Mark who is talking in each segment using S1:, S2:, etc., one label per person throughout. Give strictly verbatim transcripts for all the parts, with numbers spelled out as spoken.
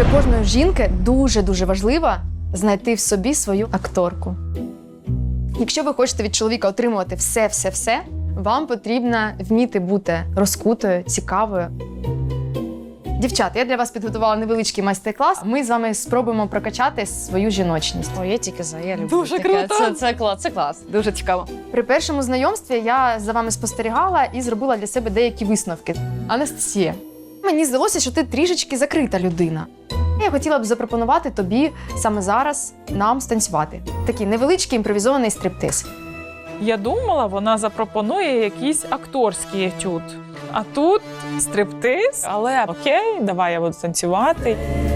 S1: Для кожної жінки дуже-дуже важливо знайти в собі свою акторку. Якщо ви хочете від чоловіка отримувати все-все-все, вам потрібно вміти бути розкутою, цікавою. Дівчата, я для вас підготувала невеличкий майстер-клас. Ми з вами спробуємо прокачати свою жіночність.
S2: О, я тільки за, я люблю
S1: Дуже
S2: таке.
S1: круто.
S2: Це, це, клас, це клас, дуже цікаво.
S1: При першому знайомстві я за вами спостерігала і зробила для себе деякі висновки. Анастасія, мені здалося, що ти трішечки закрита людина. Я хотіла б запропонувати тобі саме зараз нам станцювати. Такий невеличкий імпровізований стриптиз.
S3: Я думала, вона запропонує якийсь акторський етюд. А тут стриптиз, але окей, давай я буду танцювати.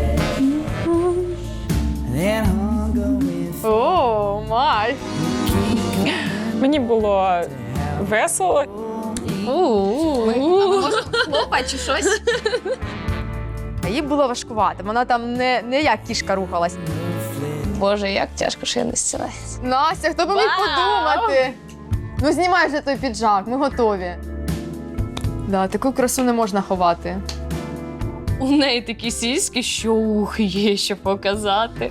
S1: О, май!
S3: Мені було весело.
S2: Хлопа чи щось?
S1: Їй було важкувато, вона там не, не як кішка рухалась.
S2: Боже, як тяжко, що я не зцілаюсь.
S1: Настя, хто б міг подумати? Ну, знімай вже той піджак, ми готові. Да, таку красу не можна ховати.
S2: У неї такі сіськи, що ух, є що показати.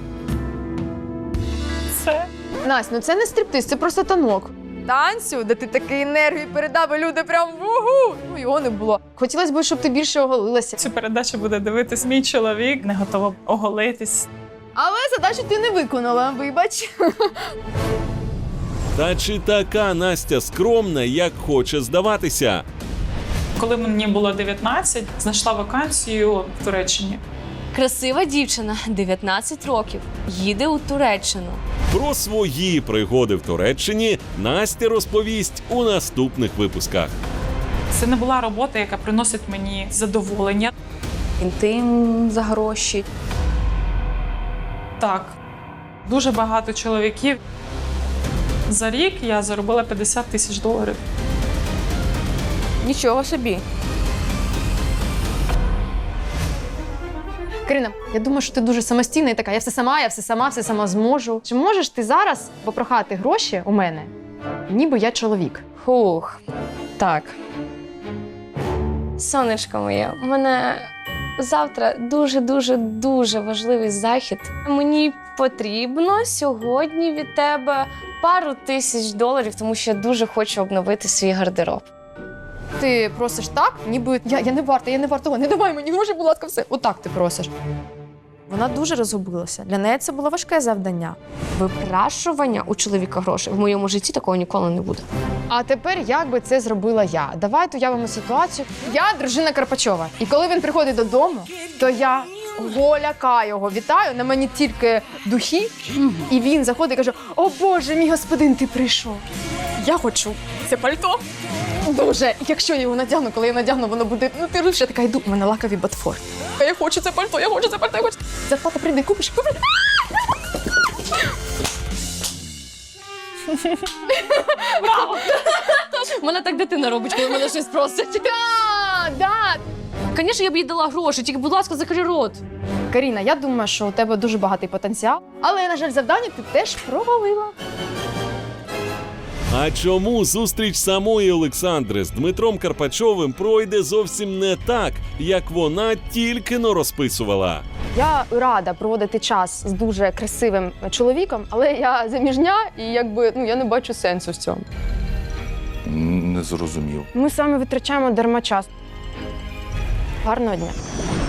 S3: Це
S1: Настя, ну це не стриптиз, це просто танок. Танцю, де ти такий енергію передав, і люди прям вугу! Ну, його не було. Хотілося б, щоб ти більше оголилася.
S3: цю передачу буде дивитись мій чоловік, не готова оголитись.
S1: Але задачу ти не виконала, вибач.
S4: Та чи така Настя скромна, як хоче здаватися?
S3: Коли мені було дев'ятнадцять, знайшла вакансію в Туреччині.
S2: Красива дівчина, дев'ятнадцять років, їде у Туреччину.
S4: Про свої пригоди в Туреччині Настя розповість у наступних випусках.
S3: Це не була робота, яка приносить мені задоволення.
S2: Інтим за гроші.
S3: Так, дуже багато чоловіків. За рік я заробила п'ятдесят тисяч доларів.
S2: Нічого собі.
S1: Карина, я думаю, що ти дуже самостійна і така, я все сама, я все сама, все сама зможу. Чи можеш ти зараз попрохати гроші у мене, ніби я чоловік?
S2: Хух. Так. Сонечко моє, у мене завтра дуже-дуже-дуже важливий захід. Мені потрібно сьогодні від тебе пару тисяч доларів, тому що я дуже хочу обновити свій гардероб.
S1: Ти просиш так, ніби я, я не варта, я не варта, не давай мені гроші, будь ласка, все. Отак ти просиш. Вона дуже розгубилася. Для неї це було важке завдання.
S2: Випрашування у чоловіка грошей в моєму житті такого ніколи не буде.
S1: А тепер як би це зробила я? Давайте уявимо ситуацію. Я дружина Карпачова. І коли він приходить додому, то я голяка його вітаю, на мені тільки духи, і він заходить і каже: «О Боже, мій господин, ти прийшов. Я хочу це пальто». Дуже. Якщо я його надягну, коли я надягну, воно буде, ну ти ж я така йду, у мене лакові ботфорти. Я хочу це пальто, я хочу це пальто, я хочу. Зарплата прийде, купиш, купиш.
S2: Браво! Мене так дитина робить, коли мене щось просить.
S1: Да, да.
S2: Звісно, я б їй дала гроші, тільки, будь ласка, закрий рот.
S1: Каріна, я думаю, що у тебе дуже багатий потенціал, але, на жаль, завдання ти теж провалила.
S4: А чому зустріч самої Олександри з Дмитром Карпачовим пройде зовсім не так, як вона тільки-но розписувала?
S1: Я рада проводити час з дуже красивим чоловіком, але я заміжня і якби ну я не бачу сенсу в цьому.
S5: Не зрозумів.
S1: Ми з вами витрачаємо дарма час. Гарного дня.